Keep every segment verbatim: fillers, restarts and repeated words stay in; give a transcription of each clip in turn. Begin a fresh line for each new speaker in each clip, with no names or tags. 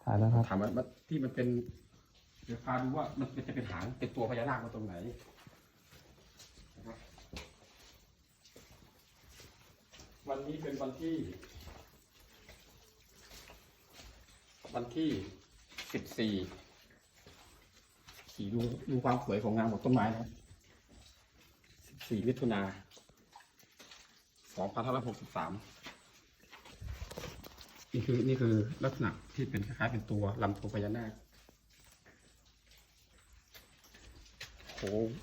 ถ่ายแล้วครับ
ถามว่าที่มันเป็นเดี๋ยวพาดูว่ามันจะเป็นหางเป็นตัวพญานาคมาตรงไหนนะครับวันนี้เป็นวันที่ วันที่สิบสี่ขี่ดูดูความสวยของงานบนต้นไม้นะครับสิบสี่มิถุนาสองพันห้าร้อยหกสิบสามนี่คือนี่คือลักษณะที่เป็นคล้ายๆเป็นตัวลำตัวพญานาคโค้ง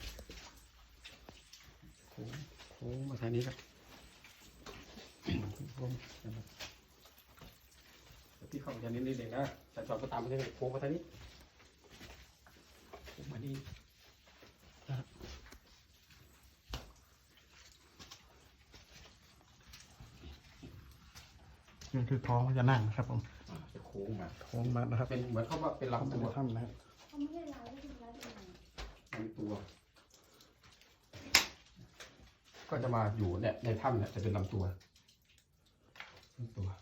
โค้งโค้งมาทางนี้ครับโค้งนะครับที่เข้ามาทางนี้นิดเองนะแต่จอดก็ตามมาทางนี้โค้งมาทางนี้โค้งมานี่
นี่คือท้องพญานาคนะครับผม
จะโค้งมา
ท้องมานะครับ
เป็นเหมือนเขาว่าเป็นลำตัว
ถ้ำนะครับ
เขาไม่ได้ร้ายไม่ได้ร้ายยังไง
ลำตัว ก็จะมาอยู่เนี่ยในถ้ำเนี่ยจะเป็นลำตัวลำตัว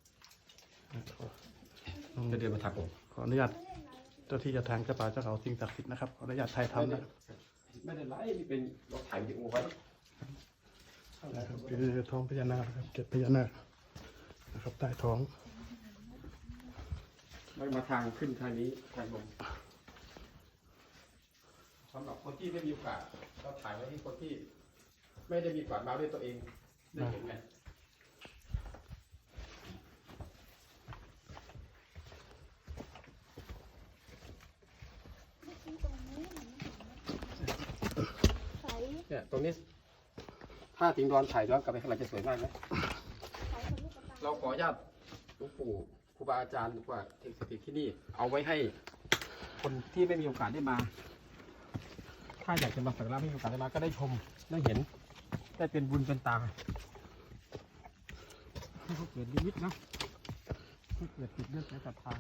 จะเดินมาทักผม
ขออนุญาตเจ้าที่เจะทางเจ้าป่าเจ้าเขาสิ่งศักดิ์สิทธิ์นะครับขออนุญาตถ่ายทำนะ
ไม่ได้ไล่นี่เป็นเราถ่ายวิดีโอไว้
คือท้องพญานาคนะครับเกล็ดพญานาคนะครับใต้ท้อง
แล้วมาทางขึ้นทางนี้ทางลงสำหรับคนที่ไม่มีโอกาสเราถ่ายไว้ให้คนที่ไม่ได้มีโอกาสมาด้วยตัวเองได้เห็นไงเนี่ยตรงนี้ถ้าทิ้งดอนถ่ายย้อนกลับไปข้างหลังจะสวยมากนะเราขออนุญาตหลวงปู่ครูบาอาจารย์หรือว่าเทคนิคที่นี่เอาไว้ให้คนที่ไม่มีโอกาสได้มา ถ้าอยากจะมาสักการะไม่มีโอกาสได้มาก็ได้ชมได้เห็นได้เป็นบุญเป็นตาให้เขาเกิดนิมิตนะให้เกิดจิตเลือดและศรัทธา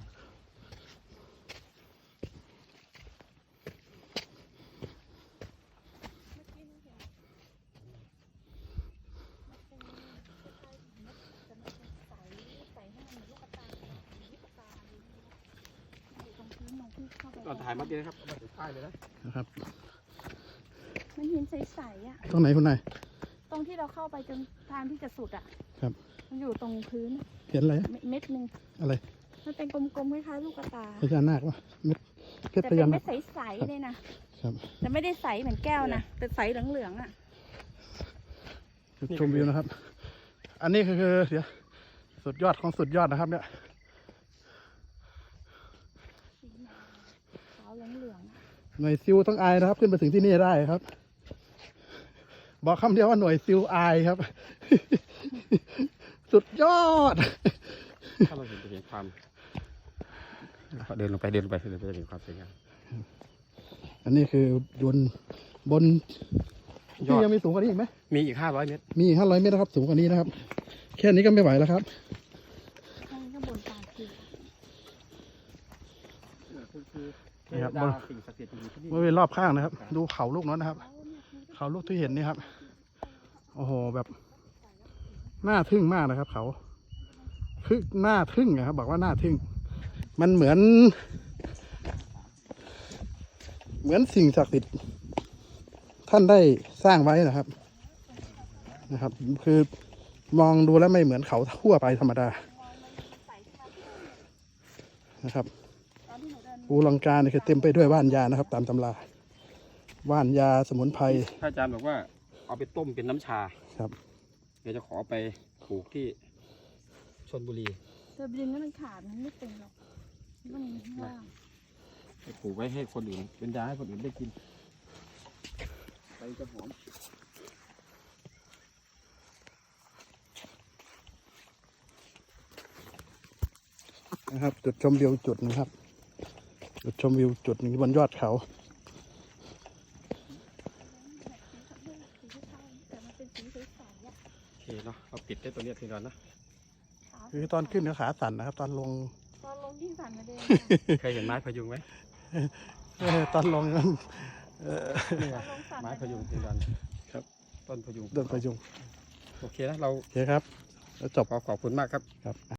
ตอนถ่ายมาดีนะครับเอาไปถ่ายเลยนะ
นะครับ
มันหินใสๆอ่ะ
ตรงไหนคุณนาย
ตรงที่เราเข้าไปจนทางที่จะสุดอ่ะ
ครับ
มันอยู่ตรงพื้น
เห็นอะไร
เม็ดหนึ่ง
อะไร
มันเป็นกลมๆคล้ายๆลูกกระตา
พญานาควะเม็ดเพชร
แต่
พ
เป็น
ญานา
เม็
ค
ดใสๆเลยนะครับ
ครับ
แต่ไม่ได้ใสเหมือนแก้วนะแต่ใสเหลืองๆอ่ะ
จุดชมวิวนะครับ อันนี้คือเดี๋ยวสุดยอดของสุดยอดนะครับเนี่ย
ขาวเหลือง
หน่วยซิลต้องอายนะครับ ขึ้นไปถึงที่นี่ได้ครับ บอกคำเดียวว่าหน่วยซิลอายครับ สุดยอด
ถ้าเราเห็นจะเห็นความเดินลงไปเดินลงไปเดินไปจะเห็นความสวยงาม
อันนี้คือบนบนที่ยังมีสูงกว่านี้อีกไหม
มีอีกห้าร้อยเมตร
มีห้าร้อยเมตรนะครับ สูงกว่านี้นะครับ แค่นี้ก็ไม่ไหวแล้วครับ
ๆข้างข้างบนตาคือ
นี่ครับ
ดาสิ่งศักดิ์สิทธิ์อยู่ที่นี่
บริเวณรอบข้างนะครับ ดูเขาลูกนั้นนะครับ เขาลูกที่เห็นนี่ครับ โอ้โหแบบน่าทึ่งมากนะครับ เขาคือน่าทึ่งนะครับบอกว่าน่าทึ่ง มันเหมือน เหมือนสิ่งศักดิ์สิทธิ์ท่านได้สร้างไว้นะครับนะครับ คือมองดูแล้วไม่เหมือนเขาทั่วไปธรรมดานะครับภูลังกาเนี่ยคือเต็มไปด้วยว่านยานะครับ ตามตำราว่านยาสมุนไพร
พระอาจารย์บอกว่าเอาไปต้มเป็นน้ำชา
ครับ
เดี๋ยวจะขอไปปลูกที่ชลบุรี
เธอดึงแล้วมันขาดมันไม่เป็นหรอกมันมีข้างล่าง
ไปปลูกไว้ให้คนอื่นเป็นยาให้คนอื่นได้กินไปจะหอม
นะครับ จุดชมวิวจุดนะครับ จุดชมวิวจุดหนึ่งบนยอดเขา
แต่มันเป็นสีใสๆอ่ะ
โอเคเนาะเราปิดได้ตัวเนี้ยทีก่อนนะ
คือตอนขึ้นก็ขาสั่นนะครับ ตอนลง
ตอนลงที่สั่นมาเดิน
เคยเห็นไม้พยุงไหม
เออตอนลงเออ
นี่ไงไม้พยุงทีก่อนครับต้นพยุง
เดินไปยุง
โอเคนะเรา
โอเคครับแล้วจบ
ขอขอบคุณมากครับ
ครับ